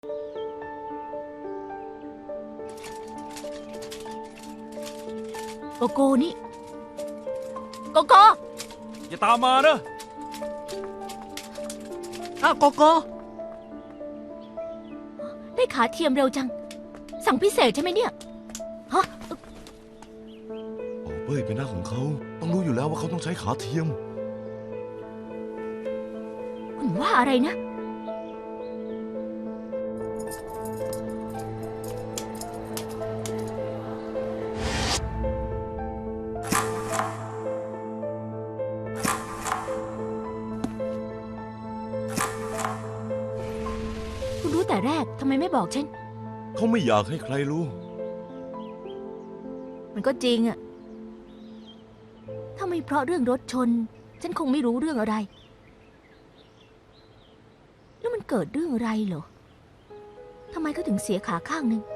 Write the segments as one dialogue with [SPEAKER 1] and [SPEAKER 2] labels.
[SPEAKER 1] โกโก้นี่โกโก้
[SPEAKER 2] อย่าตามมานะ
[SPEAKER 3] อ้าวโกโก้
[SPEAKER 1] ได้ขาเทียมเร็วจัง สั่งพิเศษใช่ไหมเนี่ยฮะ
[SPEAKER 4] โอ้เป้ยเป็นหน้าของเขาต้องรู้อยู่แล้วว่าเขาต้องใช้ขาเทียม
[SPEAKER 1] คุณว่าอะไรนะคุณรู้แต่แรกทำไมไม่บอกฉัน
[SPEAKER 4] เขาไม่อยากให้ใครรู้
[SPEAKER 1] มันก็จริงอะถ้าไม่เพราะเรื่องรถชน ฉันคงไม่รู้เรื่องอะไร แล้วมันเกิดเรื่องอะไรเหรอ ทำไมเขาถึงเสียขาข้างหนึ่ง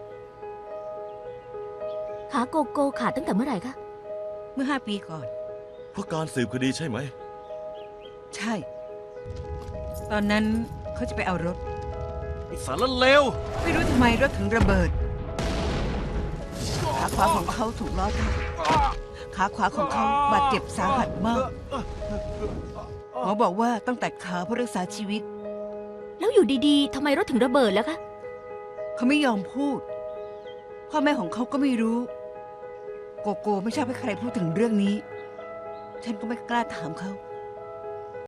[SPEAKER 1] ขาโกโก้ขาดตั้งแต่เมื่อไหร่คะ
[SPEAKER 3] เมื่อ5 ปีก่อน
[SPEAKER 4] เพราะการสืบคดีใช่ไหม
[SPEAKER 3] ใช่ ตอนนั้นเขาจะไปเอารถ
[SPEAKER 2] ไอ้สารเลว
[SPEAKER 3] ไม่รู้ทำไมรถถึงระเบิด ขาขวาของเขาถูกล้อทับขาขวาของเขาบาดเจ็บสาหัสมากหมอบอกว่าต้องตัดขาเพื่อรักษาชีวิต
[SPEAKER 1] แล้วอยู่ดีๆทำไมรถถึงระเบิดแล้วคะ
[SPEAKER 3] เขาไม่ยอมพูด พ่อแม่ของเขาก็ไม่รู้ โกโก้ไม่ชอบให้ใครพูดถึงเรื่องนี้ ฉันก็ไม่กล้าถามเขา